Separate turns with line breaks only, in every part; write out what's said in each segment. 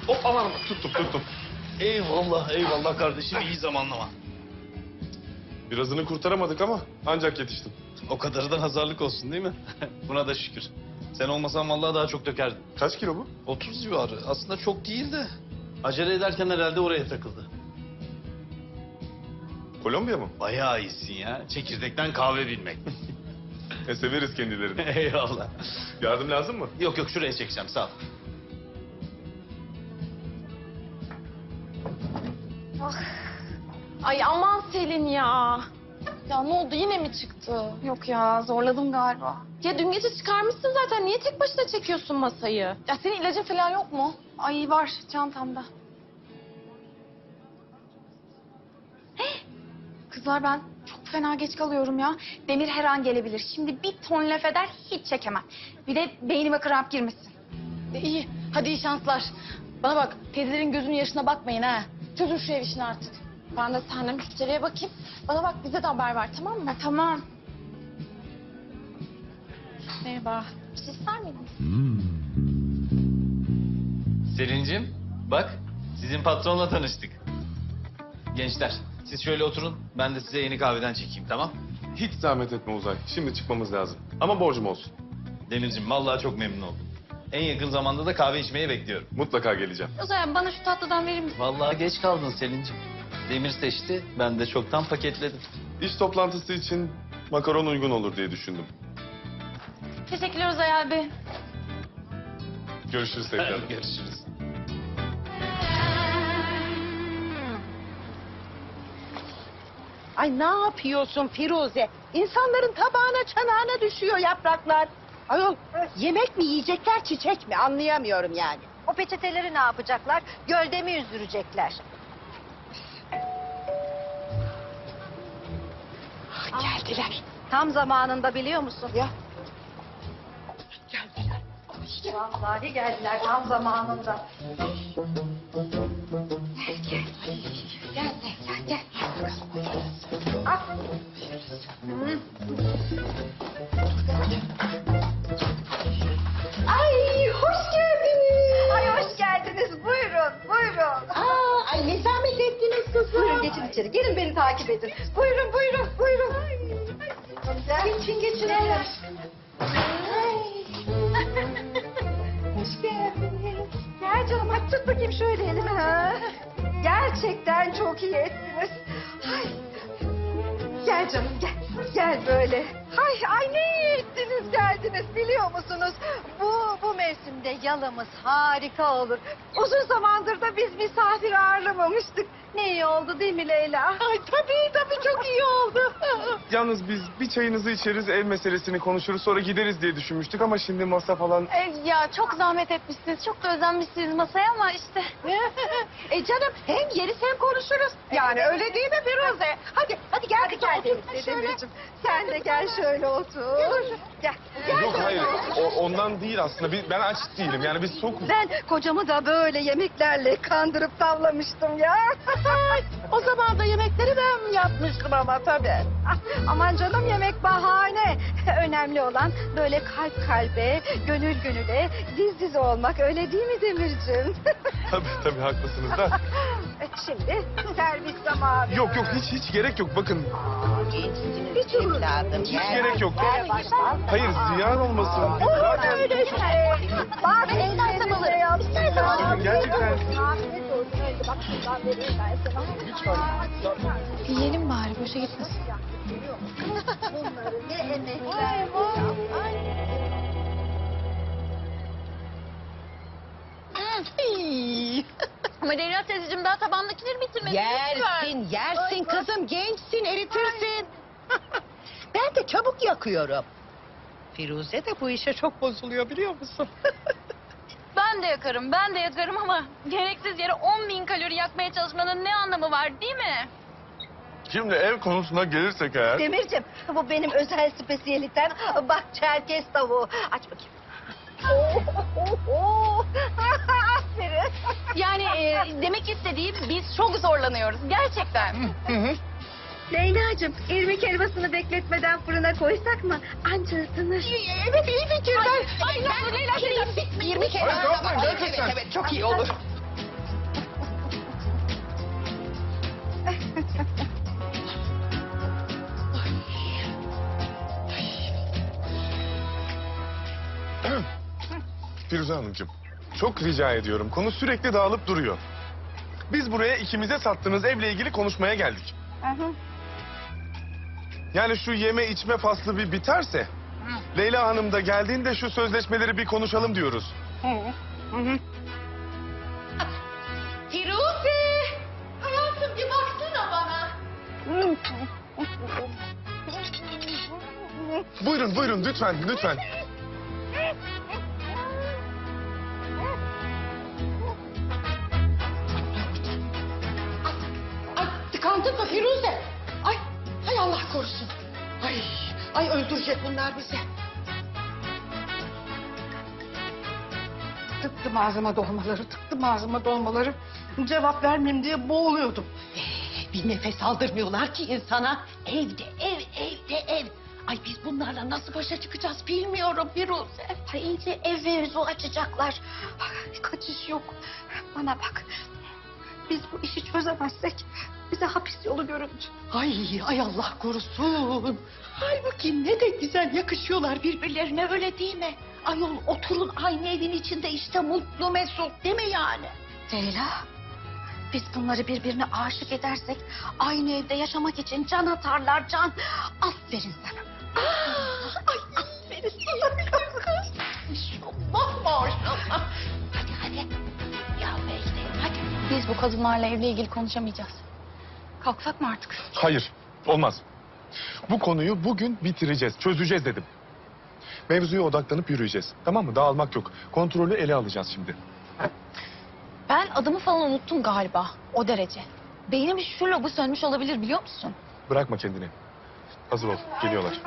Hop aman tuttum.
Eyvallah eyvallah kardeşim, iyi zamanlama.
Birazını kurtaramadık ama ancak yetiştim.
O kadarı da nazarlık olsun değil mi? Buna da şükür. Sen olmasan vallahi daha çok dökerdin.
Kaç kilo bu?
30 civarı. Aslında çok değil de. Acele ederken herhalde oraya takıldı.
Kolombiya mı?
Bayağı iyisin ya. Çekirdekten kahve bilmek.
Severiz kendilerini.
Eyvallah.
Yardım lazım mı?
Yok yok, şuraya çekeceğim, sağ ol.
Ay aman Selin ya. Ya ne oldu, yine mi çıktı?
Yok ya, zorladım galiba.
Ya dün gece çıkarmışsın zaten. Niye tek başına çekiyorsun masayı?
Ya senin ilacın falan yok mu? Ay var çantamda. Hey! Kızlar ben çok fena geç kalıyorum ya. Demir her an gelebilir. Şimdi bir ton laf eder hiç çekemem. Bir de beynime kramp girmesin.
İyi. Hadi iyi şanslar. Bana bak, teyzelerin gözünün yaşına bakmayın ha. Çözün şu ev işini artık. Ben de seninle müşteriye bakayım. Bana bak, bize de haber ver, tamam mı?
Tamam.
Merhaba. Bir şey ister miydin?
Selin'cim, bak sizin patronla tanıştık. Gençler, siz şöyle oturun. Ben de size yeni kahveden çekeyim, tamam?
Hiç zahmet etme Uzay. Şimdi çıkmamız lazım. Ama borcum olsun.
Demir'cim, vallahi çok memnun oldum. En yakın zamanda da kahve içmeye bekliyorum.
Mutlaka geleceğim.
O zaman bana şu tatlıdan verir misin?
Vallahi geç kaldın Selin'cim. Demir seçti, ben de çoktan paketledim.
İş toplantısı için makaron uygun olur diye düşündüm.
Teşekkürler Uzay abi.
Görüşürüz tekrar.
Görüşürüz.
Ay ne yapıyorsun Firuze? İnsanların tabağına çanağına düşüyor yapraklar. Ayol yemek mi yiyecekler çiçek mi anlayamıyorum yani.
O peçeteleri ne yapacaklar? Gölde mi yüzdürecekler?
Geldiler.
Tam zamanında biliyor musun?
Ya.
Geldiler. Vallahi geldiler tam zamanında. Gel. Al. Ay hoş geldiniz. Ay hoş geldiniz. Buyurun.
Ay ne zahmet ettiniz kızım.
Buyurun geçin içeri. Gelin beni takip edin. Buyurun. Geçin. Hoş geldiniz. Gel canım hadi tut bakayım şöyle elimi. Ha. Gerçekten çok iyi ettiniz. Ay. Gel canım gel. Gel böyle. Ay ne iyi ettiniz geldiniz biliyor musunuz? Bu mevsimde yalımız harika olur. Uzun zamandır da biz misafir ağırlamamıştık. Ne iyi oldu değil mi Leyla?
Ay tabii çok iyi oldu.
Yalnız biz bir çayınızı içeriz, ev meselesini konuşuruz, sonra gideriz diye düşünmüştük ama şimdi masa falan...
Ya çok zahmet etmişsiniz. Çok da özenmişsiniz masaya ama işte.
Canım hem yeriz hem konuşuruz. Yani öyle değil mi Firuze? Hadi gel
Hadi gel Demirciğim. Sen de gel şöyle otur. Gel.
Yok hayır, ondan değil aslında. Ben aç değilim, yani biz sokuz.
Ben kocamı da böyle yemeklerle kandırıp tavlamıştım ya.
O zaman da yemekleri ben yapmıştım ama tabii.
Aman canım yemek bahane. Önemli olan böyle kalp kalbe, gönül gönüle, diz dize olmak öyle değil mi Demirciğim?
Tabii haklısınız da.
Şimdi servis zamanı.
Yok hiç gerek yok, bakın.
Hiç evladım.
Hiç gerek yok.
Gel baştan.
Hayır, ziyan olmasın.
Olur öyle şey. Bak istersen alırım. İstersen alırım.
Gerçekten.
Afiyet olsun. Öyle bak şuradan vereyim ben sana.
Yiyelim bari, boşa gitmesin.
Bunları ne emekler.
Ama Leyla teyzeciğim, daha tabandakileri bitirmedin.
Yersin kızım gençsin eritirsin. Ben de çabuk yakıyorum. Firuze de bu işe çok bozuluyor biliyor musun?
Ben de yakarım ama gereksiz yere 10.000 kalori yakmaya çalışmanın ne anlamı var değil mi?
Şimdi ev konusuna gelirsek eğer...
Demirciğim bu benim özel spesiyelitem. Bak Çerkez tavuğu. Aç bakayım. Aferin.
Yani demek istediğim, biz çok zorlanıyoruz gerçekten.
Leyla'cığım irmik helvasını bekletmeden fırına koysak mı? Anca ısınır.
Evet iyi fikir.
Ay Leyla teyze,
20 kere.
Hayır, yapmayın, gerçekten.
Evet çok iyi olur.
Firuze Hanımcığım, çok rica ediyorum. Konu sürekli dağılıp duruyor. Biz buraya ikimize sattığınız evle ilgili konuşmaya geldik. Yani şu yeme içme faslı bir biterse... Leyla Hanım da geldiğinde şu sözleşmeleri bir konuşalım diyoruz.
Firuze! Hayatım bir baksana bana.
Buyurun, buyurun lütfen, lütfen.
Ay tıkandın mı Firuze? Ay, hay Allah korusun. Ay öldürecek bunlar bizi.
Tıktım ağzıma dolmaları. Cevap vermeyeyim diye boğuluyordum.
Bir nefes aldırmıyorlar ki insana. Evde ev. Ay biz bunlarla nasıl başa çıkacağız bilmiyorum Firuze.
Ay iyice ev mevzu açacaklar. Ay, kaçış yok. Bana bak. Biz bu işi çözemezsek bize hapis yolu göründü.
Ay Allah korusun. Halbuki ne de güzel yakışıyorlar birbirlerine öyle değil mi? Ayol oturun aynı evin içinde işte mutlu mesut değil mi yani?
Leyla, biz bunları birbirine aşık edersek aynı evde yaşamak için can atarlar can. Aferin sana.
Ay aferin sana kız. Maşallah maşallah. Hadi. Ya Mecdi hadi.
Biz bu kadınlarla evle ilgili konuşamayacağız. Kalksak mı artık?
Hayır, olmaz. Bu konuyu bugün bitireceğiz, çözeceğiz dedim. Mevzuya odaklanıp yürüyeceğiz. Tamam mı? Dağılmak yok. Kontrolü ele alacağız şimdi.
Ben adımı falan unuttum galiba. O derece. Beynimin şu lobu sönmüş olabilir biliyor musun?
Bırakma kendini. Hazır ol, geliyorlar.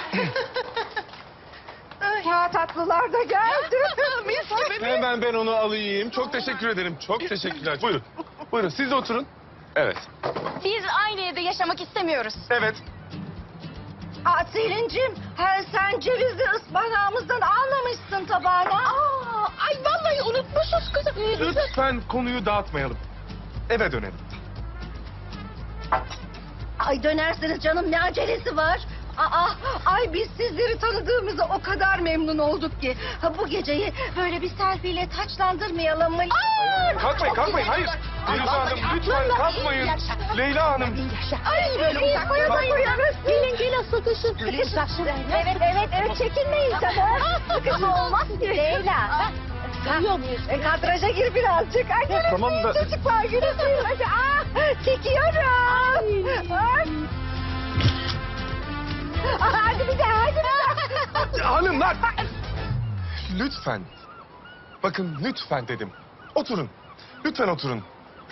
Ya tatlılar da geldi.
Hemen ben onu alayım. Çok teşekkür ederim. Çok teşekkürler. Buyurun. Buyurun siz de oturun. Evet.
Biz aynı evde yaşamak istemiyoruz.
Evet.
Selin'cim sen cevizi ıspanağımızdan almamışsın tabağına.
Ay vallahi unutmuşuz kızım.
Lütfen konuyu dağıtmayalım. Eve dönelim.
Ay dönersiniz canım ne acelesi var? Ay biz sizleri tanıdığımıza o kadar memnun olduk ki. Bu geceyi böyle bir selfie'yle taçlandırmayalım mı?
Kalkmayın. Hayır. Firuze Hanım lütfen kalkmayın. Leyla Hanım.
Ay böyle uzaklara da koyarız. Gelin sıkışın. Evet çekinmeyin tabii. Sıkışma olmaz ki. Leyla. Duyuyor muyuz? Kadraja gir birazcık. Ay gülümseyin
Tamam da-
çocuklar gülümseyin. Hadi. Çekiyorum. Ay. Hadi bir daha.
Hanımlar. Lütfen. Bakın lütfen dedim. Oturun. Lütfen oturun.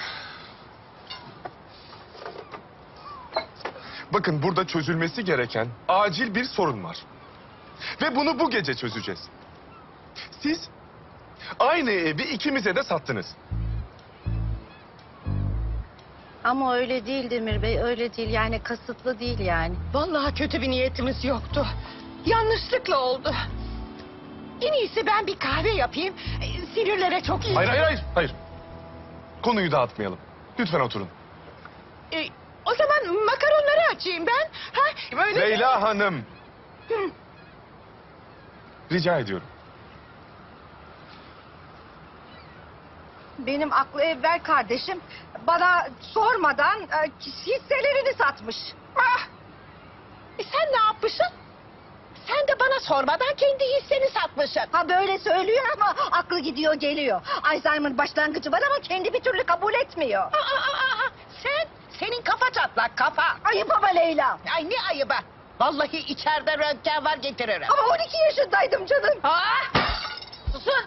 Bakın burada çözülmesi gereken acil bir sorun var. Ve bunu bu gece çözeceğiz. Siz aynı evi ikimize de sattınız.
Ama öyle değil Demir Bey, öyle değil. Yani kasıtlı değil yani. Vallahi kötü bir niyetimiz yoktu. Yanlışlıkla oldu. En iyisi ben bir kahve yapayım. Sinirlere çok iyi.
Hayır. Konuyu dağıtmayalım. Lütfen oturun.
O zaman makaronları açayım ben. Ha, böyle...
Leyla Hanım. Rica ediyorum.
Benim aklı evvel kardeşim bana sormadan hisselerini satmış.
Sen ne yapmışsın? Sen de bana sormadan kendi hisseni satmışsın.
Ha böyle söylüyor ama aklı gidiyor geliyor. Alzheimer başlangıcı var ama kendi bir türlü kabul etmiyor.
Senin kafa çatlak kafa.
Ayıp ama Leyla.
Ay ne ayıbı. Vallahi içeride röntgen var getiririm.
Ama 12 yaşındaydım canım.
Susun.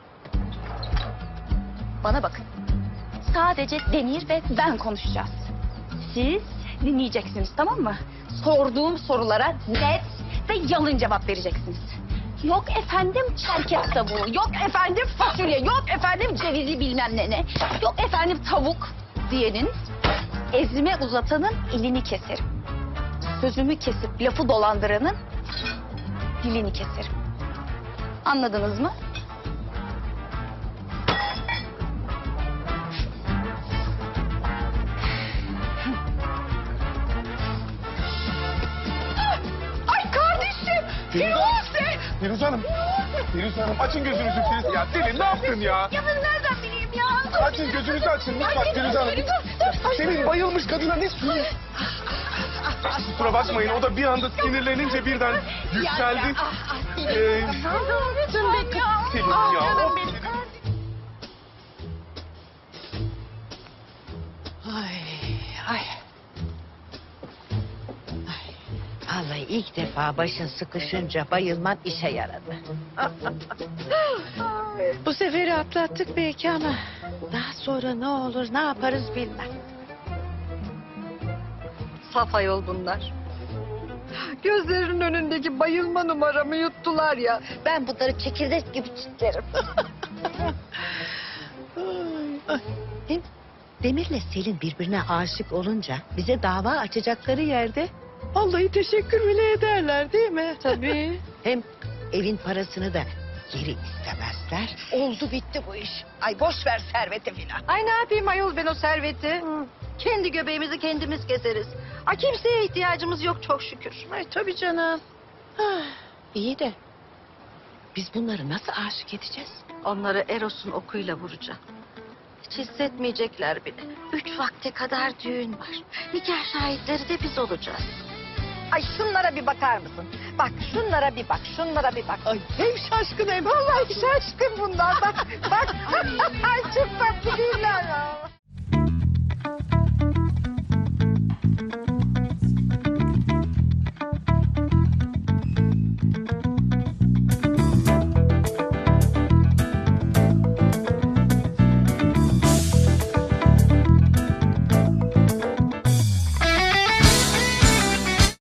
Bana bakın. Sadece Demir ve ben konuşacağız. Siz dinleyeceksiniz tamam mı? Sorduğum sorulara net ve yalın cevap vereceksiniz. Yok efendim çerkez tavuğu, yok efendim fasulye, yok efendim cevizi bilmem ne. Yok efendim tavuk diyenin, ezme uzatanın elini keserim. Sözümü kesip lafı dolandıranın dilini keserim. Anladınız mı?
Firuze Hanım. Firuze Hanım açın gözünüzü Firuze. Ya Selin ne yaptın ya?
Ya ben nereden bileyim ya?
Açın gözünüzü açın lütfen Firuze Hanım. Selin bayılmış kadına ne suyu? Kusura bakmayın o da bir anda sinirlenince birden yükseldi. Selin ya.
Ay, ay. Ay. Vallahi ilk defa başın sıkışınca bayılman işe yaradı. Bu seferi atlattık belki ama daha sonra ne olur ne yaparız bilmem.
Saf ayol bunlar. Gözlerinin önündeki bayılma numaramı yuttular ya. Ben bunları çekirdek gibi çitlerim.
Hem Demir'le Selin birbirine aşık olunca bize dava açacakları yerde vallahi teşekkür bile ederler değil mi?
Tabii.
Hem evin parasını da geri istemezler. Oldu bitti bu iş. Ay boş ver serveti filan.
Ay ne yapayım ayol ben o serveti? Kendi göbeğimizi kendimiz keseriz. Ay kimseye ihtiyacımız yok çok şükür.
Ay tabii canım. Ah, iyi de biz bunları nasıl aşık edeceğiz?
Onları Eros'un okuyla vuracağım. Hiç hissetmeyecekler bile. 3 vakte kadar düğün var. Nikah şahitleri de biz olacağız. Ay şunlara bir bakar mısın? Bak şunlara bir bak, şunlara bir bak.
Ay hem şaşkın hem
Vallahi şaşkın bunlar bak. Bak. Ay çok tatlı